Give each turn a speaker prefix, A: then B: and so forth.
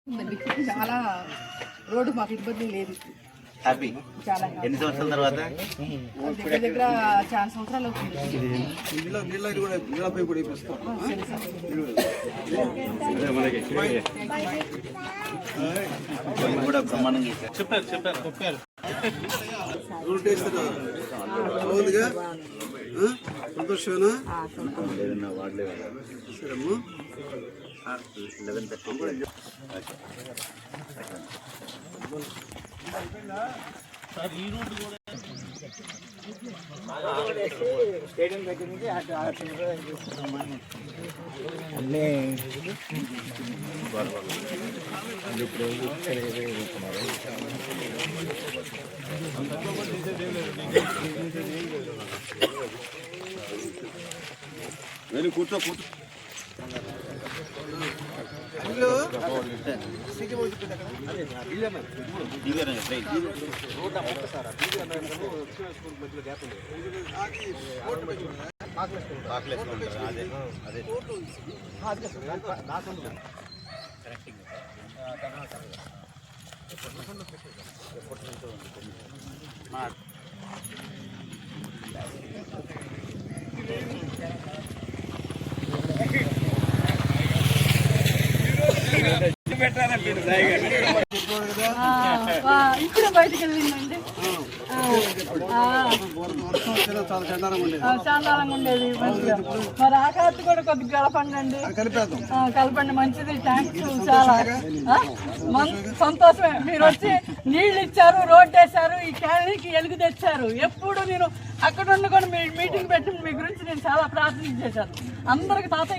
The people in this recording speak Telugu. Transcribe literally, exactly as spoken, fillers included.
A: చాలా రోడ్డు మాకు ఇబ్బంది లేదు.
B: హ్యాపీ.
A: చాలా
B: ఎన్ని సంవత్సరాల తర్వాత?
A: దగ్గర దగ్గర చాలా సంవత్సరాలు అవుతుంది.
B: కూడా బ్రహ్మాండంగా
C: చెప్పారు చెప్పారు చెప్పారు
D: సంతోషమేనా?
B: లేదన్నా వాడలే
D: సరేమ్మా.
B: లెవెన్ థర్టీ
C: సార్ ఈ రోడ్డు కూడా
B: స్టేడియం దగ్గర నుంచి అన్నీ
D: వెళ్ళి కూర్చో కూర్చో
A: ఇప్పుడు బయటకు వెళ్ళిందండి. చాందాలంగా ఉండేది మంచిగా. మరి ఆ కార్తీ కూడా కొద్దిగా కలపండి, కలపండి మంచిది. థ్యాంక్స్. చాలా సంతోషమే. మీరు వచ్చి నీళ్ళు ఇచ్చారు, రోడ్డు వేశారు, ఈ క్యాలనీకి ఎలుగు తెచ్చారు. ఎప్పుడు నేను అక్కడ ఉండి కూడా మీ మీటింగ్ పెట్టి మీ గురించి నేను చాలా ప్రార్థన చేశాను. అందరికి తాత